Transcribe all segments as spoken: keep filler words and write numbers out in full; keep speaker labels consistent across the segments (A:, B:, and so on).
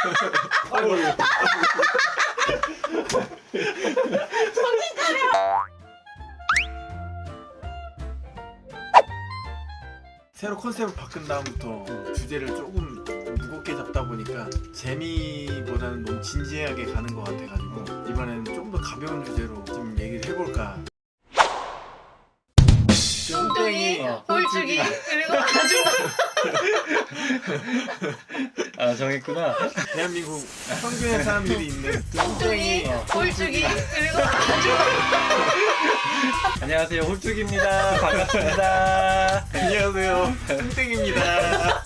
A: 아이고.
B: 정신 차려.
A: 새로 컨셉을 바꾼 다음부터 주제를 조금 무겁게 잡다 보니까 재미보다는 너무 진지하게 가는 것 같아가지고 이번에는 좀 더 가벼운 주제로 좀 얘기를 해볼까.
B: 뚱뚱이,
A: 어,
B: 홀쭉이, 그리고 아줌마.
C: 아 정했구나.
A: 대한민국 평균의 사람들이 있는
B: 뚱뚱이,
A: 뚱뚱이, 어,
B: 홀쭉이, 그리고 아줌마.
C: 안녕하세요, 홀쭉입니다. 반갑습니다.
A: 안녕하세요, 뚱땡입니다.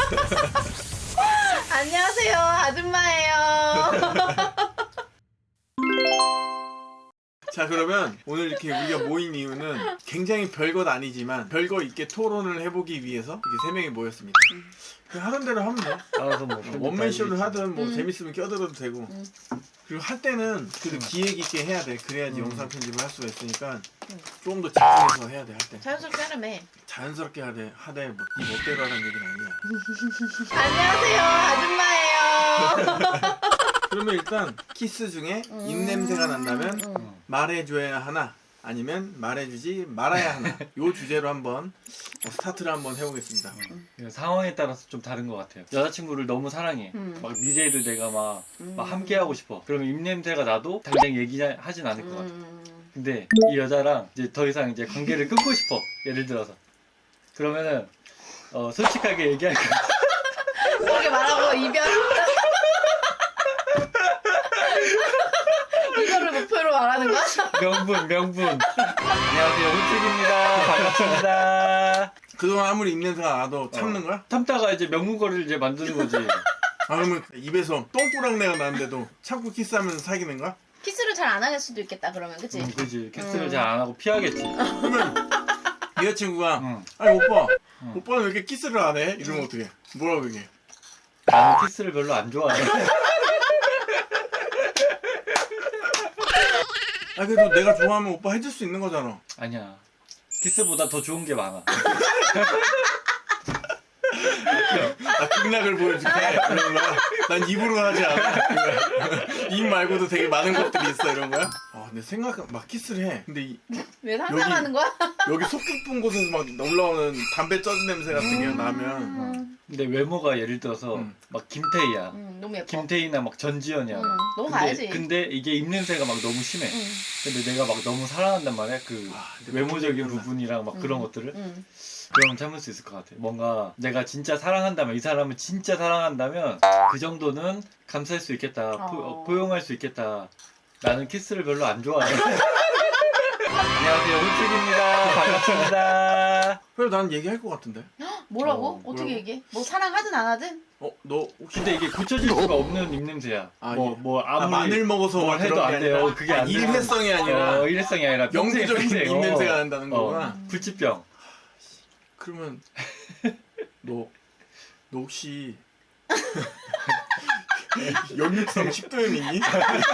B: 안녕하세요, 아줌마예요.
A: 자, 그러면 오늘 이렇게 우리가 모인 이유는 굉장히 별것 아니지만 별거 있게 토론을 해보기 위해서 이렇게 세 명이 모였습니다. 그냥 하던 대로 하면 돼.
C: 알아서 뭐
A: 원맨 쇼를 하든 뭐
B: 음.
A: 재밌으면 껴들어도 되고.
B: 음.
A: 그리고 할 때는 그래도
C: 음.
A: 기획 있게 해야 돼. 그래야지
C: 음.
A: 영상 편집을 할 수가 있으니까
B: 음.
A: 좀 더 집중해서 해야 돼. 할 때.
B: 자연스럽게 하라며.
A: 자연스럽게 하되 하되 뭐 네 멋대로 하라는 얘기는 아니야.
B: 안녕하세요, 아줌마예요.
A: 그러면 일단 키스 중에
B: 음.
A: 입냄새가 난다면
B: 음.
A: 말해줘야 하나 아니면 말해주지 말아야 하나 요 주제로 한번 어, 스타트를 한번 해보겠습니다.
C: 상황에 따라서 좀 다른 것 같아요. 여자친구를 너무 사랑해.
B: 음.
C: 막 미래를 내가 막,
B: 음.
C: 막 함께 하고 싶어. 그러면 입냄새가 나도 당장 얘기하진 않을 것 같아.
B: 음.
C: 근데 이 여자랑 이제 더 이상 이제 관계를 끊고 싶어. 예를 들어서. 그러면은 어, 솔직하게 얘기할 거야.
B: 그렇게 말하고 이별. 이거를 목표로 말하는 거야?
C: 명분, 명분. 안녕하세요, 홀쭉입니다. 반갑습니다.
A: 그동안 아무리 입냄새가 나도 참는 거야?
C: 참다가 이제 명문거리를 이제 만드는 거지.
A: 아 그러면 입에서 똥꾸락내가 나는데도 참고 키스하면서 사귀는 거야?
B: 키스를 잘 안 할 수도 있겠다 그러면, 그치?
C: 음, 그지. 키스를
B: 음.
C: 잘 안 하고 피하겠지.
A: 그러면 여자친구가
C: 응.
A: 아니 오빠
C: 응.
A: 오빠는 왜 이렇게 키스를 안 해? 이러면 어떡해? 뭐라고 얘기해?
C: 나는 키스를 별로 안 좋아해.
A: 아 그래도 내가 좋아하면 오빠 해줄 수 있는 거잖아.
C: 아니야. 키스보다 더 좋은 게 많아.
A: 나 극락을 보여줄게 이런 거야. 난 입으로 하지 않아. 입 말고도 되게 많은 것들이 있어 이런 거야. 아 근데 생각 막 키스를 해. 근데 이,
B: 왜 상상하는 거야?
A: 여기 속 깊은 곳에서 막 올라오는 담배 쪄진 냄새 같은 게 나면
B: 음,
C: 근데 외모가 예를 들어서
A: 음.
C: 막 김태희야.
B: 음, 너무 예뻐.
C: 김태희나 막 전지현이야.
B: 음, 너무
C: 근데,
B: 가야지.
C: 근데 이게 입냄새가 막 너무 심해.
B: 음,
C: 근데 내가 막 너무 사랑한단 말이야. 그
A: 아, 근데
C: 외모적인
A: 그거구나.
C: 부분이랑 막
B: 음,
C: 그런 것들을.
B: 음.
C: 그러면 참을 수 있을 것 같아. 뭔가 내가 진짜 사랑한다면, 이 사람을 진짜 사랑한다면 그 정도는 감수할 수 있겠다. 포,
B: 어.
C: 포용할 수 있겠다. 나는 키스를 별로 안 좋아해. 안녕하세요, 홀쭉입니다. 반갑습니다.
A: 그래 난 얘기할 것 같은데.
B: 뭐라고?
C: 어,
B: 어, 떻게
A: 뭐라고?
B: 얘기해? 뭐 사랑하든 안 하든?
A: 어 너 혹시
C: 근데 이게 고쳐질 수가 없는 입냄새야.
A: 아,
C: 뭐,
A: 예.
C: 뭐
A: 아,
C: 아무리
A: 마늘 먹어서
C: 뭘
A: 막
C: 해도
A: 그런 게
C: 안 돼요.
A: 아니라
C: 그게
A: 아,
C: 안 돼.
A: 일회성이 아니라
C: 어, 일회성이 아니라 평생,
A: 영구적인
C: 평생.
A: 입냄새가
C: 어.
A: 난다는
C: 어,
A: 거구나.
C: 불치병.
A: 그러면 너 너 혹시 역류성 식도염이니?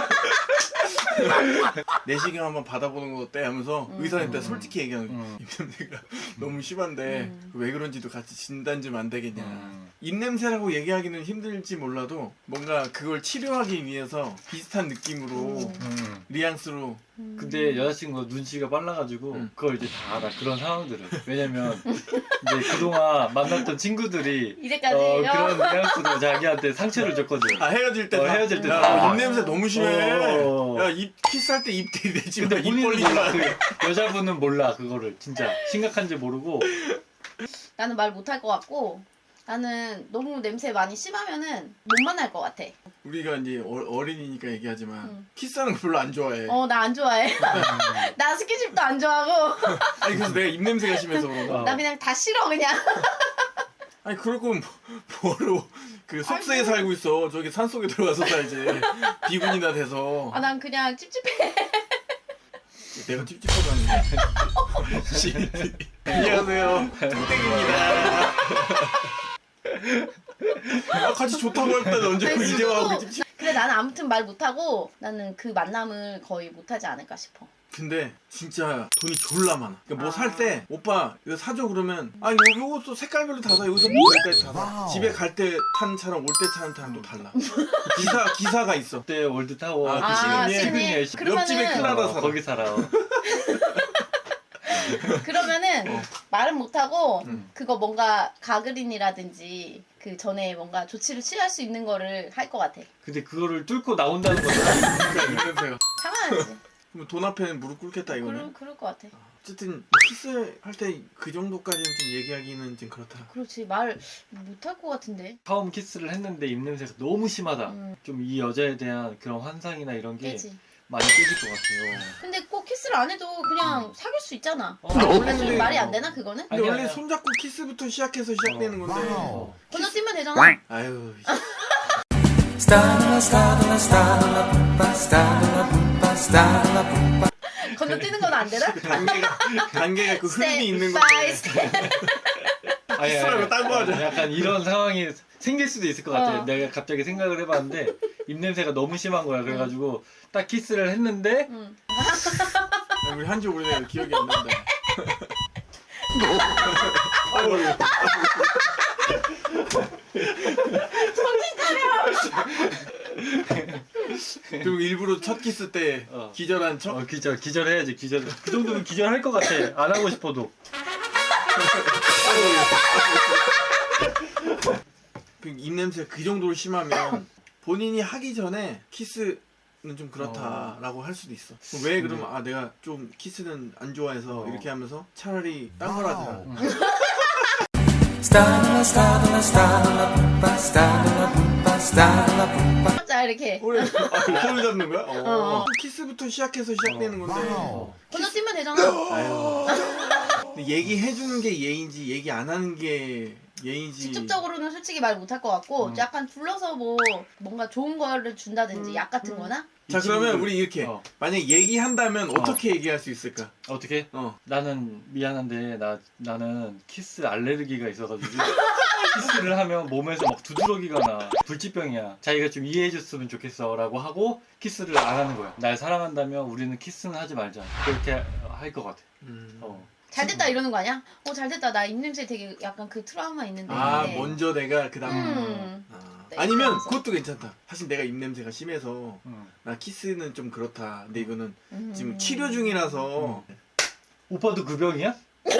A: 내시경 한번 받아보는 거 어때? 하면서
B: 음.
A: 의사한테
C: 음.
A: 솔직히 얘기하는 거야.
C: 음.
A: 입냄새가 너무 심한데
B: 음.
A: 왜 그런지도 같이 진단 좀 안 되겠냐.
C: 음.
A: 입냄새라고 얘기하기는 힘들지 몰라도 뭔가 그걸 치료하기 위해서 비슷한 느낌으로
B: 음.
C: 음.
A: 뉘앙스로
B: 음.
C: 근데 여자친구가 눈치가 빨라가지고
A: 음.
C: 그걸 이제 다 알아. 그런 상황들을. 왜냐면 이제 그동안 만났던 친구들이
B: 이제까지
C: 어,
B: 요?
C: 그런 뉘앙스로 자기한테 상처를 줬거든.
A: 아 헤어질 때
C: 어,
A: 다,
C: 헤어질 때
A: 야,
C: 다.
A: 너 입냄새 너무 심해.
C: 어.
A: 야 입 키스할 때 입 들이대지 마.
C: 근데
A: 입
C: 본인은
A: 벌리지 마.
C: 몰라. 그 여자분은 몰라 그거를 진짜 심각한지 모르고.
B: 나는 말 못할 것 같고 나는 너무 냄새 많이 심하면은 못 만날 것 같아.
A: 우리가 이제 어, 어린이니까 얘기하지만
B: 음.
A: 키스하는 거 별로 안 좋아해.
B: 어, 나 안 좋아해. 나 스킨십도 안 좋아하고
A: 아니 그래서 내가 입냄새가 심해서 그런가?
C: 어.
B: 나 그냥 다 싫어 그냥.
A: 아니 그럴 거면 뭐, 뭐로 그 숲속에 살고 있어. 저기 산 속에 들어가서 살지. 비군이나 돼서.
B: 아, 난 그냥 찝찝해.
A: 내가 찝찝하도 아닌데. 씨. 안녕하세요. 뚱땡입니다. 아, 같이 좋다고 할 때는 언제
B: 아니,
A: 이제 와고
B: 수도-
A: 찝찝.
B: 근데 나는 아무튼 말 못하고 나는 그 만남을 거의 못하지 않을까 싶어.
A: 근데 진짜 돈이 졸라 많아. 그러니까 뭐
B: 아.
A: 살 때 오빠 이거 사줘 그러면 아 요, 요것도 색깔별로 다 사. 여기서 뭐 여기까지 다 사.
D: 와우.
A: 집에 갈 때 타는 차랑 올 때 타는 차랑 또 달라. 기사 기사가 있어.
C: 그때 월드 타워
A: 아,
B: 아,
A: 시그니에
B: 시그니에.
C: 시그니에
B: 그러면은-
A: 옆집에 클라라
C: 어,
A: 살아.
C: 거기 살아.
B: 그러면은
A: 어.
B: 말은 못하고
A: 음.
B: 그거 뭔가 가그린이라든지 그 전에 뭔가 조치를 취할 수 있는 거를 할 것 같아.
C: 근데 그거를 뚫고 나온다는 거잖아.
A: 그러니까 이 냄새가.
B: 참아야지.
A: 그럼 돈 앞에는 무릎 꿇겠다 이거는.
B: 그럴, 그럴 것 같아.
A: 어쨌든 키스할 때 그 정도까지는 좀 얘기하기는 좀 그렇다.
B: 그렇지 말 못할 것 같은데.
C: 처음 키스를 했는데 입냄새가 너무 심하다.
B: 음,
C: 좀 이 여자에 대한 그런 환상이나 이런 게
B: 깨지.
C: 많이 깨질 것 같아요.
B: 근데 꼭 키스를 안 해도 그냥 사귈 수 있잖아.
C: 어,
B: 원래 좀
A: 근데-
B: 말이 안 되나 그거는?
A: 근데
C: 아니야,
A: 원래
C: 아니야.
A: 손잡고 키스부터 시작해서 시작되는 건데.
D: 와우.
B: 건너뛰면 되잖아.
A: 아유.
B: 건너뛰는 건 안 되나?
A: 단계가 단계가 그 흐름이 있는
B: 스텝
A: 건데.
B: 바이 스텝.
C: 아니,
A: 키스라고 딴거 하자.
C: 약간 이런 상황이 생길 수도 있을 것 같아.
B: 어.
C: 내가 갑자기 생각을 해봤는데 입냄새가 너무 심한 거야. 그래가지고 딱 키스를 했는데
B: 응.
A: 야, 우리 한지 오래돼서 기억이 안 난다. 아이고. 그리고 일부러 첫 키스 때
C: 어.
A: 기절한 척.
C: 어, 기절 기절해야지 기절. 그 정도면 기절할 것 같아. 안 하고 싶어도.
A: 그 입냄새가 그 정도로 심하면 본인이 하기 전에 키스는 좀 그렇다라고 할 수도 있어. 그럼 왜 그러면 아 내가 좀 키스는 안 좋아해서
C: 어.
A: 이렇게 하면서 차라리 딴 걸 하자.
D: 와우.
B: 자 이렇게
A: 그래. 아, 그 손을 잡는 거야? 어.
B: 어.
A: 키스부터 시작해서 시작되는 건데.
D: 와우.
B: 건너뛰면 되잖아.
A: 아유. 근데 얘기해 주는 게 예인지 얘기 안 하는 게 예인지.
B: 직접적으로는 솔직히 말 못할 것 같고
C: 음.
B: 약간 불러서 뭐 뭔가 좋은 거를 준다든지 약 같은
A: 음.
B: 거나
A: 자
C: 이
A: 그러면
C: 친구들-
A: 우리 이렇게
C: 어.
A: 만약 얘기한다면 어. 떻게 얘기할 수 있을까?
C: 어떻게?
A: 어.
C: 나는 미안한데 나 나는 키스 알레르기가 있어가지고 키스를 하면 몸에서 막 두드러기가 나. 불치병이야. 자기가 좀 이해해줬으면 좋겠어라고 하고 키스를 안 하는 거야. 날 사랑한다면 우리는 키스는 하지 말자. 그렇게 할 것 같아.
A: 음.
C: 어.
B: 잘됐다 이러는 거 아니야? 어 잘됐다 나 입냄새 되게 약간 그 트라우마 있는데
A: 아 먼저 내가 그다음.
B: 음.
A: 아.
B: 네,
A: 아니면
B: 그러면서.
A: 그것도 괜찮다. 사실 내가 입냄새가 심해서
C: 응.
A: 나 키스는 좀 그렇다. 근데 이거는
B: 음.
A: 지금 치료 중이라서
C: 오빠도 그 병이야?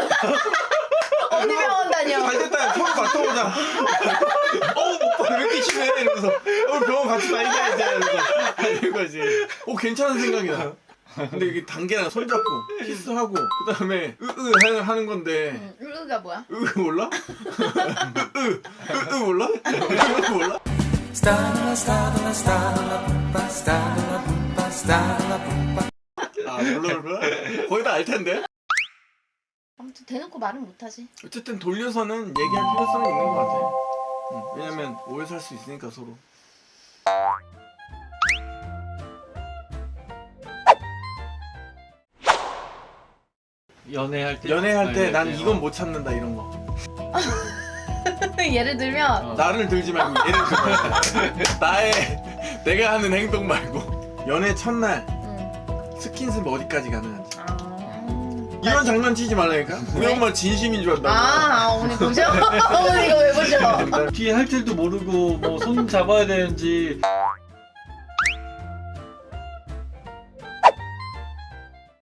B: 어디 병원 다녀?
A: 잘 됐다. 서로 맡아보자. 어우 오빠 왜 이렇게 심해? 이러면서 어 병원 같이 다니자 이제 이러면서 이거지. 오 괜찮은 생각이다. 근데 이게 단계나 손잡고 키스하고 그 다음에 으으 하는, 하는 건데
B: 음, 으가 뭐야?
A: 으 몰라? 으으 으으 몰라? 으 몰라? 아 몰라 몰라? 거의 다 알 텐데.
B: 아무튼 대놓고 말은 못하지.
A: 어쨌든 돌려서는 얘기할 필요성이 있는 것 같아. 응, 왜냐면 오해 살 수 있으니까 서로.
C: 연애할 때?
A: 연애할 때 난
C: 연애할 때,
A: 이건
C: 어.
A: 못 참는다 이런 거.
B: 예를 들면
C: 어.
A: 나를 들지 말고 예를 들어 나의 내가 하는 행동 말고 연애 첫날
B: 음.
A: 스킨십 어디까지 가능한지.
B: 아.
A: 이런 장난치지 말라니까. 우리
B: 왜?
A: 엄마 진심인 줄 안다.
B: 아 오늘 보셔? 오늘 이거 왜 보셔?
C: 뒤에 할 줄도 모르고 뭐 손 잡아야 되는지